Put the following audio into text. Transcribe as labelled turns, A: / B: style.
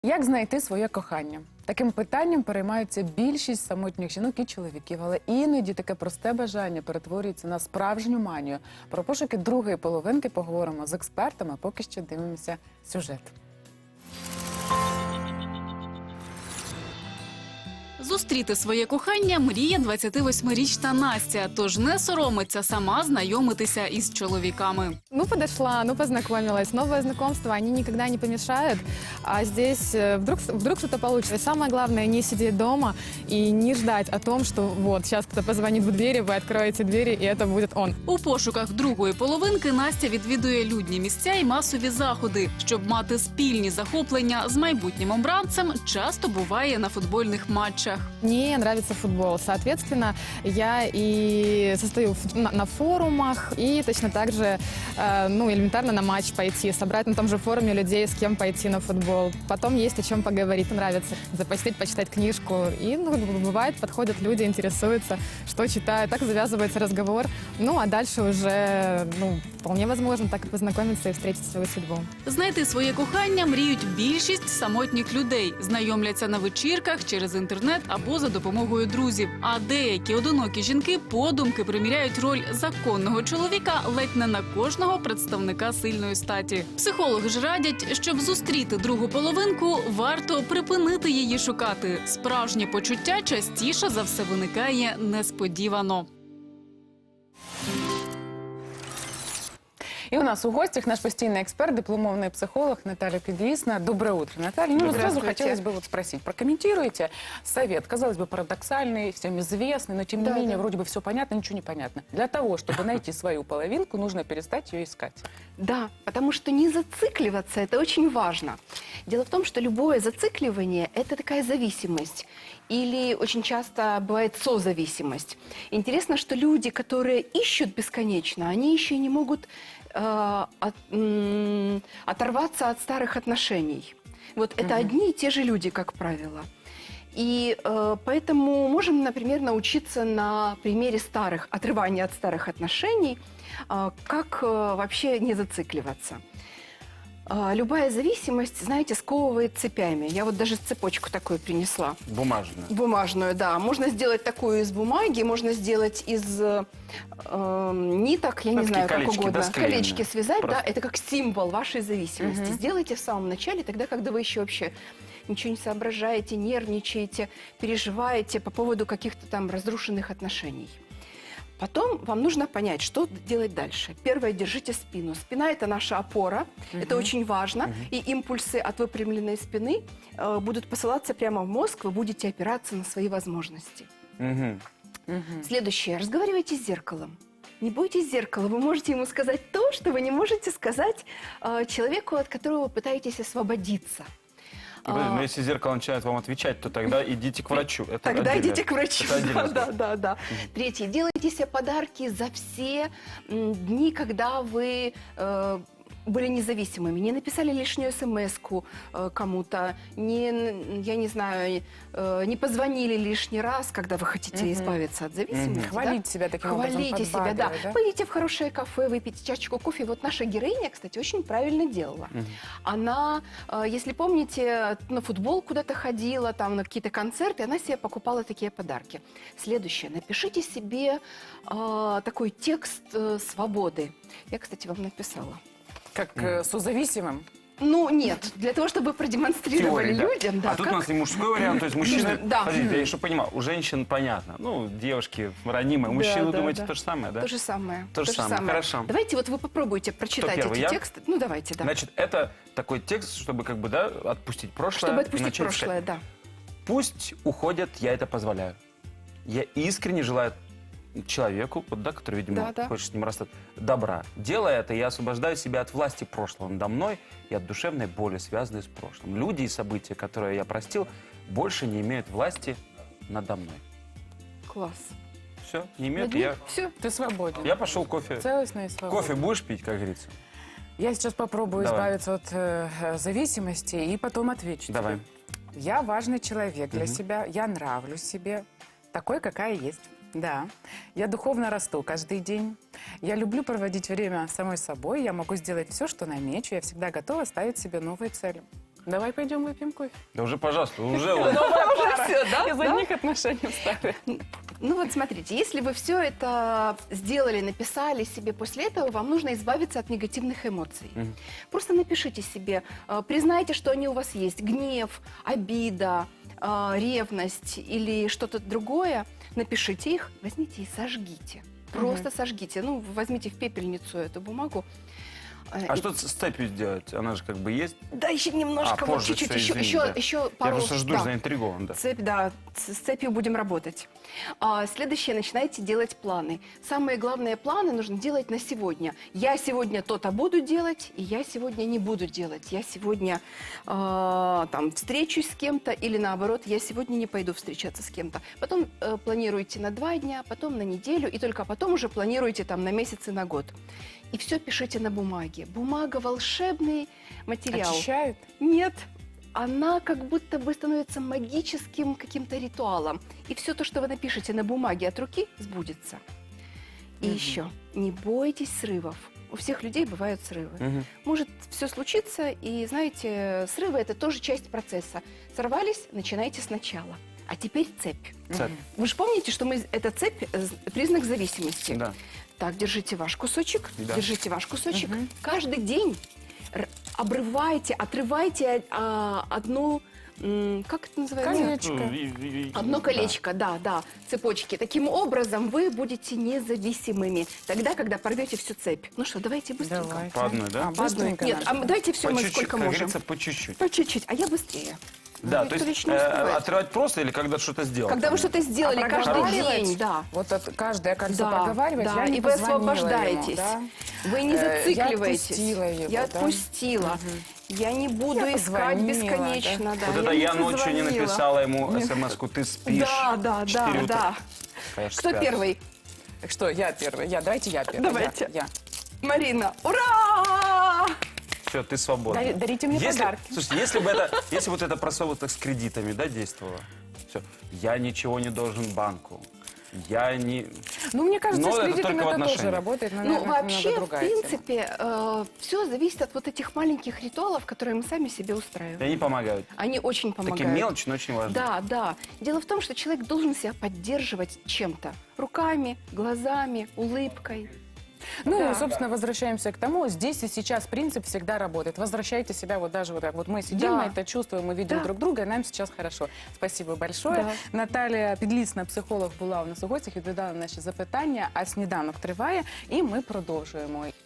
A: Як знайти своє кохання? Таким питанням переймаються більшість самотніх жінок і чоловіків, але іноді таке просте бажання перетворюється на справжню манію. Про пошуки другої половинки поговоримо з експертами, поки що дивимося сюжет.
B: Зустріти своє кохання мріє 28-річна Настя, тож не соромиться сама знайомитися із чоловіками.
C: Ну, подошла, ну, познакомилась. Новое знакомство, они никогда не помешают. А здесь вдруг что-то получится. И самое главное, не сидеть дома и не ждать о том, что вот, сейчас кто-то позвонит в двери, вы откроете двери, и это будет он.
B: У пошуках другої половинки Настя відвідує людні місця і масові заходи. Щоб мати спільні захоплення з майбутнім обранцем, часто буває на футбольних матчах.
C: Мне нравится футбол. Соответственно, я и состою на форумах, и точно так же, ну, элементарно на матч пойти, собрать на том же форуме людей, с кем пойти на футбол. Потом есть о чем поговорить, нравится запостить, почитать книжку. И, ну, бывает, подходят люди, интересуются, что читают. Так завязывается разговор. Ну, а дальше уже, ну, вполне возможно так и познакомиться и встретить свою судьбу.
B: Знайти своє кохання мріють більшість самотніх людей. Знайомляться на вечірках, через інтернет або за допомогою друзів. А деякі одинокі жінки подумки приміряють роль законного чоловіка ледь не на кожного представника сильної статі. Психологи ж радять, щоб зустріти другу половинку, варто припинити її шукати. Справжнє почуття частіше за все виникає несподівано.
A: И у нас у гостях наш постоянный эксперт, дипломованный психолог Наталья Підлісна. Доброе утро, Наталья. Ну, сразу хотелось бы вот спросить, прокомментируйте совет, казалось бы, парадоксальный, всем известный, но тем не менее, вроде бы все понятно, ничего не понятно. Для того, чтобы найти свою половинку, нужно перестать ее искать.
D: Да, потому что не зацикливаться – это очень важно. Дело в том, что любое зацикливание – это такая зависимость. Или очень часто бывает созависимость. Интересно, что люди, которые ищут бесконечно, они еще и не могут оторваться от старых отношений. Вот это одни и те же люди, как правило. И поэтому можем, например, научиться на примере отрывания от старых отношений, как вообще не зацикливаться. Любая зависимость, знаете, сковывает цепями. Я вот даже цепочку такую принесла.
E: Бумажную.
D: Бумажную, да. Можно сделать такую из бумаги, можно сделать из ниток, я не знаю, как угодно.
E: Да,
D: колечки связать,
E: просто.
D: да, это как символ вашей зависимости. Сделайте в самом начале, тогда, когда вы еще вообще ничего не соображаете, нервничаете, переживаете по поводу каких-то там разрушенных отношений. Потом вам нужно понять, что делать дальше. Первое, держите спину. Спина – это наша опора, это очень важно. И импульсы от выпрямленной спины будут посылаться прямо в мозг, вы будете опираться на свои возможности. Следующее, разговаривайте с зеркалом. Не бойтесь зеркала, вы можете ему сказать то, что вы не можете сказать человеку, от которого вы пытаетесь освободиться.
E: Но если зеркало начинает вам отвечать, то тогда идите к врачу. Это
D: Тогда
E: отдельно.
D: идите к врачу.
E: Это отдельно.
D: Да. Третье. Делайте себе подарки за все дни, когда вы были независимыми. Не написали лишнюю смс-ку кому-то, я не знаю, не позвонили лишний раз, когда вы хотите избавиться от зависимости.
A: Хвалить себя таким образом,
D: Хвалите себя, да.
A: подбадривать, да?
D: Пойдите в хорошее кафе, выпейте чашечку кофе. Вот наша героиня, кстати, очень правильно делала. Она, если помните, на футбол куда-то ходила, там на какие-то концерты, она себе покупала такие подарки. Следующее. Напишите себе такой текст свободы. Я, кстати, вам написала.
A: Как созависимым.
D: Ну, нет. Для того, чтобы продемонстрировали
E: Теория, да.
D: людям. Да,
E: А тут
D: как...
E: у нас и мужской вариант, то есть мужчины...
D: Да.
E: Подождите, я еще понимаю, у женщин понятно. Ну, девушки ранимые. Мужчины,
D: да,
E: думаете,
D: да.
E: то же самое, да?
D: То же самое.
E: То же самое, хорошо.
D: Давайте вот вы попробуйте прочитать
E: первый,
D: эти
E: я?
D: тексты. Ну, давайте, да.
E: Значит, это такой текст, чтобы как бы, да, отпустить прошлое.
D: Чтобы
E: и
D: отпустить
E: начать
D: прошлое,
E: искать.
D: да.
E: Пусть уходят, я это позволяю. Я искренне желаю человеку, вот, да, который, видимо,
D: Да.
E: хочет с ним расстаться, добра. Делая это, я освобождаю себя от власти прошлого надо мной и от душевной боли, связанной с прошлым. Люди и события, которые я простил, больше не имеют власти надо мной.
D: Класс.
E: Все, не имеют. Я
D: Все.
A: Ты свободен.
E: пошел кофе.
A: Целостный и свободен.
E: Кофе будешь пить, как говорится?
A: Я сейчас попробую
E: Давай.
A: избавиться от зависимости и потом отвечу.
E: Давай.
A: тебе. Я важный человек для себя, я нравлюсь себе, такой, какая есть. Да, я духовно расту каждый день. Я люблю проводить время самой собой. Я могу сделать все, что намечу. Я всегда готова ставить себе новые цели. Давай пойдем выпьем кофе.
E: Да уже, пожалуйста, уже вот.
D: Уже все, да?
A: Из
D: Да?
A: одних отношений встали.
D: Ну вот смотрите, если вы все это сделали, написали себе, после этого вам нужно избавиться от негативных эмоций.
E: Мгм.
D: Просто напишите себе, признайте, что они у вас есть. Гнев, обида, ревность или что-то другое. Напишите их, возьмите и сожгите. Просто сожгите. Ну, возьмите в пепельницу эту бумагу.
E: А что с цепью сделать? Она же как бы есть.
D: Да, еще немножко, вот
E: позже
D: чуть-чуть,
E: всё,
D: еще,
E: извини,
D: еще,
E: да.
D: еще
E: Я
D: пару...
E: просто жду,
D: да.
E: заинтригован, да.
D: Цепь, да, с цепью будем работать. Следующее, начинайте делать планы. Самые главные планы нужно делать на сегодня. Я сегодня то-то буду делать, и я сегодня не буду делать. Я сегодня там встречусь с кем-то, или наоборот, я сегодня не пойду встречаться с кем-то. Потом планируйте на 2 дня, потом на неделю, и только потом уже планируете там на месяц и на год. И все пишите на бумаге. Бумага – волшебный материал.
A: Очищает.
D: Нет, она как будто бы становится магическим каким-то ритуалом. И все то, что вы напишете на бумаге от руки, сбудется. И еще, не бойтесь срывов. У всех людей бывают срывы.
E: Мгм.
D: Может все случиться, и, знаете, срывы – это тоже часть процесса. Сорвались, начинайте сначала. А теперь цепь.
E: Цепь.
D: Вы же помните, что эта цепь – признак зависимости.
E: Да.
D: Так, держите ваш кусочек,
E: Да.
D: держите ваш кусочек. Каждый день обрывайте, отрывайте одну, как это называется?
A: Колечко.
D: Одно
E: Да.
D: колечко, да, цепочки. Таким образом вы будете независимыми. Тогда, когда порвете всю цепь. Ну что, давайте быстренько.
A: Давайте.
E: По одной, да?
A: Быстренько
D: Нет,
A: надо.
D: давайте все
E: По
D: мы
E: чуть-чуть,
D: сколько
E: как
D: можем.
E: говорится, по чуть-чуть.
D: По чуть-чуть, а я быстрее.
E: Да,
D: Никто
E: то есть
D: ведь не успевает.
E: отрывать просто или когда что-то сделать?
D: Когда вы что-то сделали
A: А
D: каждый
A: проговаривать?
D: день, да.
A: Вот каждое кольцо
D: Да,
A: проговаривать,
D: да,
A: я не
D: и вы
A: позвонила
D: освобождаетесь.
A: ему, да?
D: Вы не
A: Я
D: зацикливаетесь.
A: отпустила его,
D: Я
A: да?
D: отпустила. Я не буду
A: Я
D: искать
A: позвонила,
D: бесконечно. Да.
E: Вот это я ночью не
D: позвонила.
E: написала ему смс-ку, ты спишь.
D: Да.
E: 4 утра.
D: Да.
E: Конечно,
D: Кто
E: спят.
D: первый?
A: Так что, я первая. Давайте я первая.
D: Давайте.
A: Я.
D: Марина. Ура!
E: Все, ты свободна.
A: Дарите мне подарки.
E: Слушайте, если вот это просовывать с кредитами, да, действовало, все, я ничего не должен банку, я не...
A: Ну, мне кажется,
E: Но
A: с
E: это
A: кредитами
E: только в
A: это тоже
E: отношениях.
A: работает, но,
D: Ну,
A: наверное, это
D: вообще,
A: немного
D: в
A: другая тема.
D: принципе, все зависит от вот этих маленьких ритуалов, которые мы сами себе
E: И
D: устраиваем.
E: они помогают.
D: Они очень помогают.
E: Такие мелочи, но очень важны.
D: Да. Дело в том, что человек должен себя поддерживать чем-то. Руками, глазами, улыбкой.
A: Ну,
D: Да.
A: собственно, возвращаемся к тому, здесь и сейчас принцип всегда работает. Возвращайте себя вот даже вот так. Вот мы сидим,
D: Да.
A: мы это чувствуем, мы видим
D: Да.
A: друг друга, и нам сейчас хорошо. Спасибо большое.
D: Да.
A: Наталія Підлісна, психолог, була у нас у гостях, відповідала на наші запитання, а сніданок триває, і ми продовжуємо.